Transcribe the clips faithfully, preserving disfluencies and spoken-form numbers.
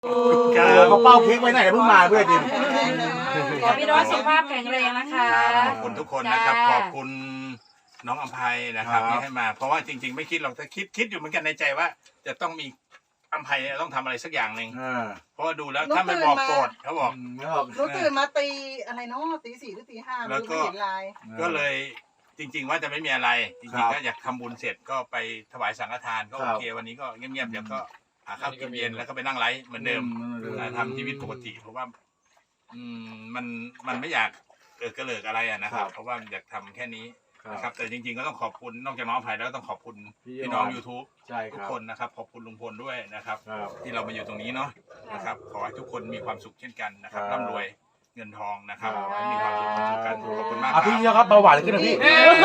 เขาเป้าเค้กไว้ไหนเพิ่งมาเพื่อนดิขอพี่น้องสุขภาพแข็งแรงนะคะขอบคุณทุกคนนะครับขอบคุณน้องอภัยนะครับที่ให้มาเพราะว่าจริงๆไม่คิดหรอกแต่คิดคิดอยู่เหมือนกันในใจว่า จะต้องมีอภัยต้องทำอะไรสักอย่างหนึ่งเพราะว่าดูแล้วถ้าไม่บอกโกรธเขาบอกรู้ตื่นมาตีอะไรเนาะตีสี่หรือตีห้าแล้วก็เห็นไลน์ก็เลยจริงๆว่าจะไม่มีอะไรจริงๆก็อยากทำบุญเสร็จก็ไปถวายสังฆทานก็โอเควันนี้ก็เงียบๆเดี๋ยวก็หาข้าวกินเย็นแล้วก็ไปนั่งไลฟ์เหมือนเดิมทำชีวิตปกติเพราะว่าอืมมันมันไม่อยากเกิดกระเลิกอะไรอ่ะนะครับเพราะว่าอยากทำแค่นี้นะครับแต่จริงๆก็ต้องขอบคุณนอกจากน้องอภัยแล้วก็ต้องขอบคุณพี่น้อง YouTube ทุกคนนะครับขอบคุณลุงพลด้วยนะครับที่เรามาอยู่ตรงนี้เนาะนะครับขอให้ทุกคนมีความสุขเช่นกันนะครับร่ำรวยเงินทองนะครับให้มีความสุขความสุขกันขอบคุณมากครับพี่ครับเบาหวานขึ้นนะพี่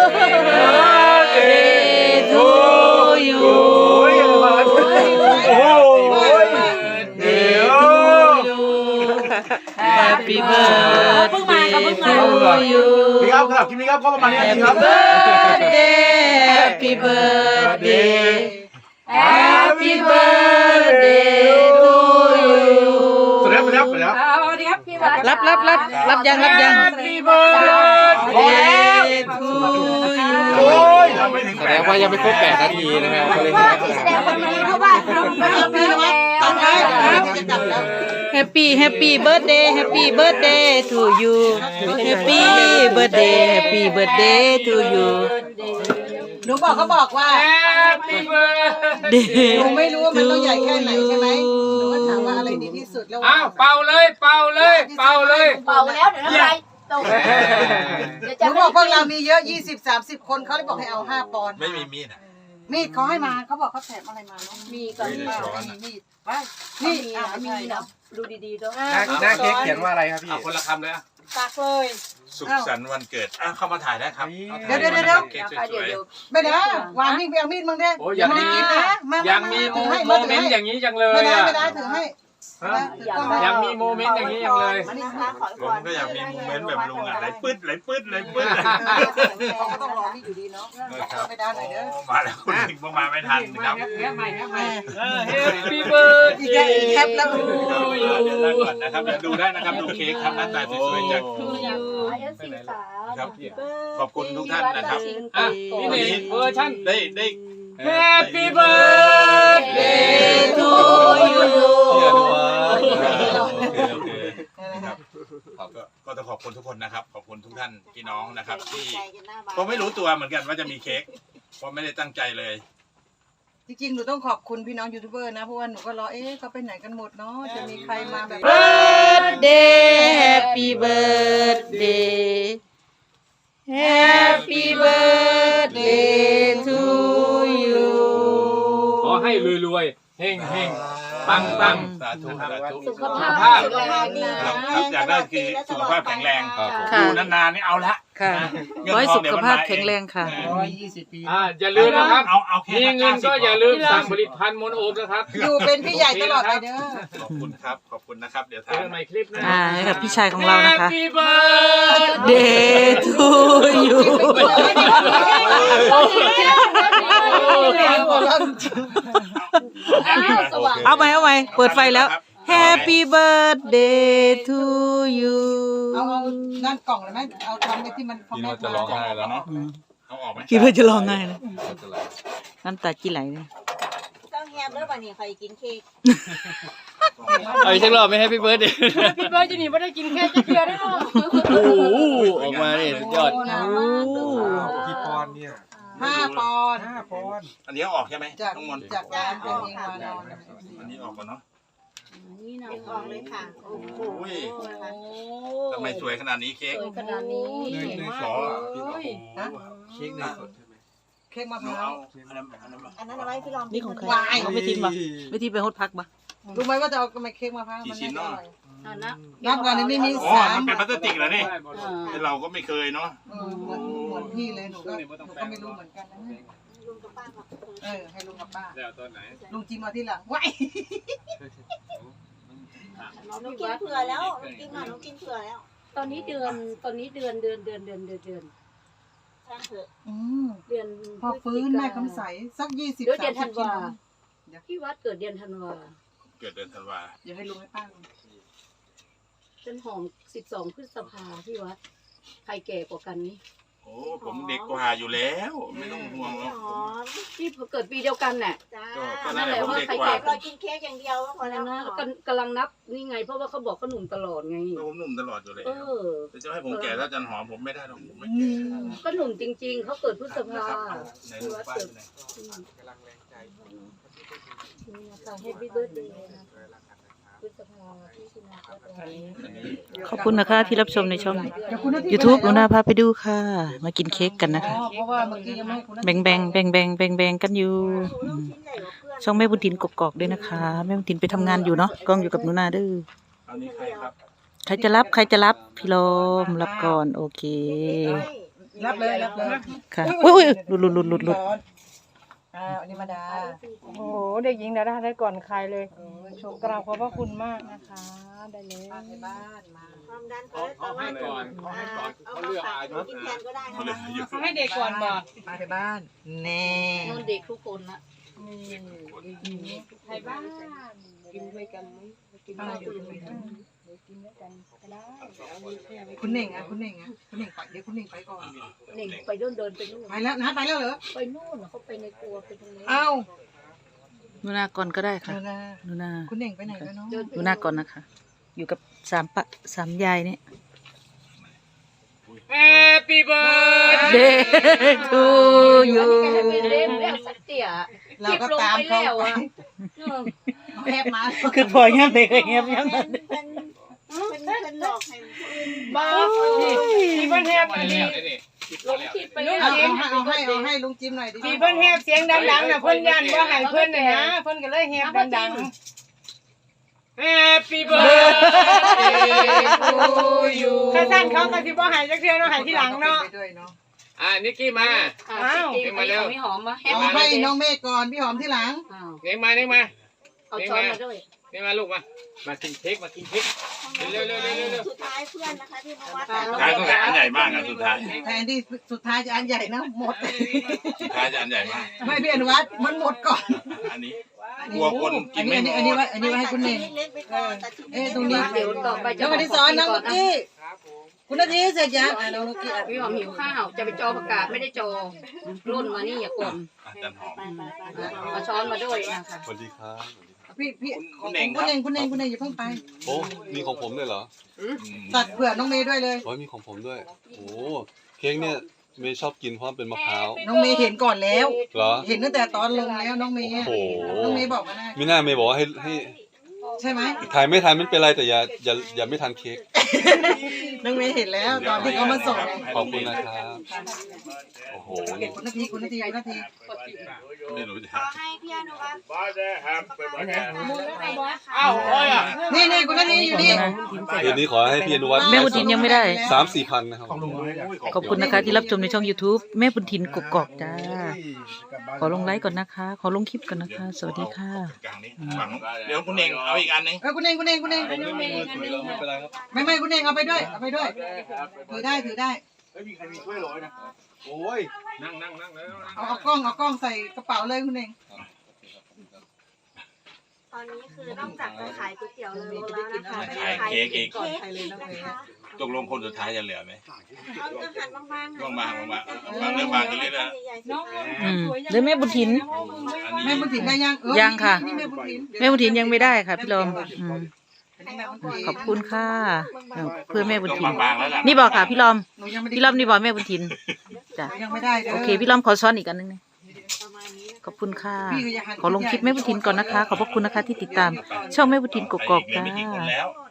to you โอ้โห Happy birthday to you พี่ครับครับคลิปนี้ครับก็ประมาณนี้ครับ Happy birthday Happy birthday to you สวัสดีครับสวัสดีครับสวัสดีครับสวัสดีครับพี่วัดรับรับรับรับยังรับยัง Happy birthday to you โอ้ยไม่ถึงแสดงว่ายังไม่ครบแปดนาทีนะครับก็เลยแสดงว่ามีเพราะว่าเราไม่เอาพี่วัดตอนนี้จะจับแล้ว Happy Happy birthday Happy birthday to you Happy birthday Happy birthday to you หนูบอกเขาบอกว่า Happy birthday หนูไม่รู้ว่ามันต้องใหญ่แค่ไหนใช่ไหมหนูก็ถามว่าอะไรดีที่สุดแล้วอ้าวเป่าเลยเป่าเลยเป่าเลยเป่าแล้วเดี๋ยวน้ำลายตกหนูบอกพวกเรามีเยอะยี่สิบสามสิบคนเขาเลยบอกให้เอาห้าปอนด์ไม่มีมีดอ่ะมีดเขาให้มาเขาบอกเขาแถมอะไรมาเนาะมีก่อนมีมีมีดนี่นี่อ่ะอ่ะมีมีเนาะเนาะดูดีๆด้วยหน้าเค้กเขียนว่าอะไรครับพี่คนละคำเลยอ่ะตักเลยสุขสันต์วันเกิดอ่ะเข้ามาถ่ายได้ครับเดี๋ยวเดี๋ยวเดี๋ยวเค้กสเดี๋ยววยเดี๋ยวไม่ได้วางมีดไปเอามีดมึงได้โอ้ยยังไม่ได้กินนะมายังมีถือให้โมเมนต์อย่างนี้จังเลยไม่ได้อ่ะไม่ได้ถือให้ยังมีโมเมนต์อย่างนี้จังเลยอันนี้นะคะขอๆผมก็อยากมีโมเมนต์แบบลุงอ่ะไหลปื๊ดไหลปื๊ดไหลปื๊ดเขาก็ต้องรอมีดอยู่ดีเนาะไม่ได้หน่อยเด้อมาแล้วคุณลิงมาไม่ทันนะครับ Happy birthday อีกอีกแคปแล้วเดี๋ยวนั่งก่อนนะครับเดี๋ยวดูได้นะครับดูเค้กครับหน้าตาสวยๆจากสีสาวครับขอบคุณทุกท่านนะครับอ่ะนี่นี่เวอร์ชันได้ได้ Happy birthday to you ครับก็ก็ต้องขอบคุณทุกคนนะครับ ขอบคุณทุกท่านพี่น้องนะครับที่ก็ไม่รู้ตัวเหมือนกันว่าจะมีเค้กเพราะไม่ได้ตั้งใจเลยจริงๆหนูต้องขอบคุณพี่น้องยูทูบเบอร์นะเพราะว่าหนูก็รอเอ๊ะเขาไปไหนกันหมดเนาะจะมีใครมาแบบ Birthday Happy birthday Happy birthday to you ขอให้รวยๆเฮงเฮงปังปังสาธุสาธุสุขสุขภาภาพพแข็งแรงดีคนะรับอยากได้คือสุขภาพแข็งแรงค่ะอยู่นานๆนี่เอาละค่ะเงินขอให้ทองสุเดี๋ยขวมันภาพมาเองแข็งแรงค่ะอ่าอย่าลืมนะครับเอาเอาแค่มีเงินก็อย่าลืมสั่งผลิตภัณฑ์มนโอมนะครับอยู่เป็นพี่ใหญ่ตลอดไปเด้อขอบคุณครับขอบคุณนะครับเดี๋ยวเจทาอน กันใหม่คลิปหนะอ่าให้กับพี่ชายของเรานะคะ Happy birthday Day to you เอาไหมเอาไหมเปิดไฟแล้ว Happy birthday to you เอาเอานั่นกล่องเลยไหมเอาทำไปที่มันพอแม่จะร้องกล่องแล้วเนาะเอาออกไหมคิดว่าจะร้องไห้นะน้ำตาจีไหลเลยต้องแฮมด้วยป่ะนี่ใครกินเค้กเอาอีกสักรอบไหมให้พี่เบิร์ดดิพี่เบิร์ดจะหนีไม่ได้กินเค้กจะเดือดได้หรอโอ้โหออกมาเนี่ยสุดยอดกี่ปอนด์เนี่ยห้าปอนด์ห้าปอนด์อันนี้เอาออกใช่ไหมจากน้องมนต์จากร้านเป็นเองมานอนอันนี้ออกก่อนเนาะนี่นะออกเลยค่ะโอ้โหโอ้ยทำไมสวยขนาดนี้เค้กสวยขนาดนี้เนยเนยสอพี่โอ้โหเค้กเนยสดใช่ไหมเค้กมะพเอาร้าวอันนั้นอันนั้นอันนั้นเอาไว้พี่ลองนี่ของใครวายเอาไม่ทิ้งปะไม่ทิ้งไปฮดพักปะรู้ไหมว่าจะเอาทำไมเค้กมะพร้าวมันน่าจะอร่อยอันนะนับก่อนนี่ไม่มีอ๋อสามมันเป็นพลาสติกเหรอนี่อ่าเราก็ไม่เคยเนาะเออเหมือนเหมือนพี่เลยหนูก็หนูก็ไม่รู้เหมือนกันนะลุงกับป้าขอบคุณเออให้ลุงกับป้าแล้วตอนไหนลุงจิมมาที่หลังว้ายหนูกินเผื่อแล้วหนูกินมาหนูกินเผื่อแล้วตอนนี้เดือนตอนนี้เดือนเดือนเดือนเดือนเดือนเดือนช่างเถอะอืมเดือนพอฟื้นแม่คำใสสักยี่สิบเดือนสามธัสินบกิวาโลพี่วัดเกิดเดือนธันวาอเกิดเดือนธันวาเดี๋ยวให้ลุงให้ป้าต้นหอมสิบสองพฤษภาพี่วัดใครแก่กว่ากันนี่โอ้ผมเด็กกว่าอยู่แล้วไม่ต้องห่วงหรอกหอมที่เกิดปีเดียวกันน่ะจ้าก็ก็นั่นแหละผมเด็กกว่าเรากินเค้กอย่างเดียวก็พออะไรแล้วนะนะกำกำลังนับนี่ไง เพราะว่าเขาบอกเขาหนุ่มตลอดไงก็ผมหนุ่มตลอดอยู่แล้วเออแต่จะให้ผมแก่ถ้าจันหอมผมไม่ได้หรอกผมไม่แก่ก็หนุ่มจริง ๆเขาเกิดพฤษภาในพี่รูปวัดป้ายเกิดไหนกำลังแรงใจนี่นะคะแฮปปี้เบิร์ดเดย์นะพฤษภาที่ชินาก็ตรงนี้อันนี้ขอบคุณนะคะที่รับชมในช่อง YouTube หนูนาพาไปดูค่ะ มากินเค้กกันนะอ๋อคะเพราะว่าเมื่อกี้ยังไม่ให้คุณแบ่งแบ่งแบ่งแบ่งแบ่งแบ่งกันอยู่อืมชิ้นใหญ่กว่าเพื่อนช่องแม่บุญทินกกอกด้วยนะคะแม่บุญทินไปทำงานอยู่เนาะกล้องอยู่กับหนูนาเด้ออันนี้ใครครับใครจะรับใครจะรับพี่ลมรับก่อนโอเครับเลยรับเลยค่ะอุ้ยอุ้ยหลุดหลุดหลุดหลุดหลุดอ่าอันนี้มาดาโอ้โหเด็กหญิงดาด้าได้ก่อนใครเลยโชว์กราบขอบพระคุณมากนะคะ ได้เลยป้าในบ้านมาความดันคอเลสเตอรอลให้ก่อนเอาให้ก่อนเอามาฝากกินแทนก็ได้เขาเลยนะอยู่ให้เด็กก่อนบอกป้าในบ้านแน่นนเด็กทุกคนนะไทยบ้านกินด้วยกันไหมกินป้าด้วยอยู่กันด้วยไหมกันกินด้วยกันก็ได้คุณเน่งอ่ะคุณเน่งอ่ะคุณเน่งไปเดี๋ยวคุณเน่งไปก่อนเน่งไปเดินเดินไปนู่นไปแล้วนะไปแล้วเหรอไปนู่นเขาไปในครัวไปตรงนี้เอ้าหนูนาก่อนก็ได้ค่ะเดี๋ยวนะหนูนาคุณเน่งไปไหนแล้วเนาะเดินหนูนาก่อนนะคะ อยู่กับสามปะสามยายเนี่ย Happy birthday Day to you ไปเล่นแล้วสักเตี่ยเราก็ตามเขาไปเออเอาแคบมาคือพอเงียบเลยเงียบเงียบเป็นเป็นเป็นเป็นหลอกให้บ้าพี่เพิ่นแฮปอันนี้ลงคลิปไปเอาแล้วเอาเอาให้เอาให้ลุงจิมหน่อยดิพี่เพิ่นแฮปเสียงดังๆน่ะเพิ่นยันว่าให้เพิ่นน่ะนะเพิ่นก็เลยแฮปดังๆ Happy birthday to you ถ้าสั้นเขาก็สิบ่ให้จักเทื่อเนาะให้ทีหลังเนาะไปด้วยเนาะอ่านิกกี้มาอ้าวมาเร็วไม่หอมมาแฮปเอาปี้ให้น้องเมฆก่อนพี่หอมที่หลังอ้าวเน็กมาเน็กมาเอาช้อนมาด้วยเน็กมาลูกมา มากินเค้กมากินเค้ก เร็วเร็วเร็วเร็วเร็วสุดท้ายเพื่อนนะคะที่มาวัดสุดท้ายต้องแต่อันใหญ่มากอ่ะสุดท้ายแทนที่สุดท้ายจะอันใหญ่นะหมดสุดท้ายจะอันใหญ่มากไม่พี่อนุวัฒน์มันหมดก่อนอันนี้กลัวคนกิอันนไม่นี้หมอันนี้ดไว้อันนี้ไว้ให้คุณเน่งเล็กๆไปก่อนแต่ชิ้นเอ้ตรงนี้เดี๋ยวต่อไปจะน้องอดิศรน้องลูกกี้คุณนาทีเสร็จยังอ่ะน้องลูกกี้อ่ะพี่หอมหิวข้าวจะไปจอประกาศไม่ได้จอรุ่นมานี่อย่ากลอ่ะจันหอมเอาช้อนมาด้วยนะคะสวัสดีครับพี่พี่คุณของเน่งคุณเน่งคุณเน่งคุณเน่งอย่าเพิ่งไปโอ้มีของผมด้วยเหรออืมตัดเผื่อน้องเมย์ด้วยเลยโอ้ยมีของผมด้วย โอ้เค้กเนี่ยเมย์ชอบกินเพราะมันเป็นมะพร้าวน้องเมย์เห็นก่อนแล้วเหรอเห็นตั้งแต่ตอนลงแล้วน้องเมย์โอ้โหน้องเมย์บอกมาได้มิน่าเมย์บอกว่าให้ให้ใช่ไหมถ่ายไม่ทันไม่เป็นไรแต่อย่าอย่าอย่าไม่ทันเค้กน้องเมย์เห็นแล้วตอนที่เขามาส่งขอบคุณนะครับ โอ้โหคุณนาทีคุณนาทีคุณนาทีไม่รู้จะขอให้พี่อนุวัฒน์อ้าวโอ้ยอ่ะนี่นี่คุณนาทีอยู่นี่คืนนี้ขอให้พี่อนุวัฒน์แม่บุญทินยังไม่ได้สามสี่พันนะครับขอบคุณนะคะที่รับชมในช่อง YouTube แม่บุญทินกกอกจ้า ขอลงไลค์ก่อนนะคะ ขอลงคลิปก่อนนะคะ สวัสดีค่ะกลางนี้ฝั่งนู้นเดี๋ยวคุณเน่งเอาอีกอันหนึงเออคุณเองคุณเองคุณเองไม่เป็นไรครับไม่ไม่คุณเองเอาไปด้วยเอาไปด้วยถือได้ถือได้ไม่มีใครมีถ้วยโรยนะ โอ้ยนั่งนั่งนั่งแล้วเอาเอากล้องเอากล้องใส่กระเป๋าเลยคุณเองตอนนี้คือนอกจากจะขายก๋วยเตี๋ยวเรือแล้วนะคะขายเค้กอีกก่อนใครเลยน้องเมย์ตกลงคนสุดท้ายจะเหลือไหมเอาจะหั่นบางๆบางๆบางๆบางเรื่องบางกันเลยนะน้องอืมหรือแม่บุญทินอันนี้แม่บุญถิ่นได้ยังเออยังค่ะนี่แม่บุญถิ่นแม่บุญทินยังไม่ได้ค่ะพี่ลมอืมอันนี้แม่บุญถิ่นขอบคุณค่ะเออเพื่อแม่บุญต้องทินบางๆแล้วล่ะนี่บอกค่ะพี่ลอมหนูยังไม่ได้พี่ลอมนี่บอกแม่บุญทินจ้ะหนูยังไม่ได้ด้โอเคพี่ลอมขอซ้อนอีกอันนึงนะประมาณนี้ขอบคุณค่ะพี่ก็อย่าหันขอลงคลิปแม่บุญทินก่อนนะคะ ขอบพระคุณนะคะที่ติดตาม ช่องแม่บุญทินกกอกเหลือจ้าไม่กี่คนแล้วก็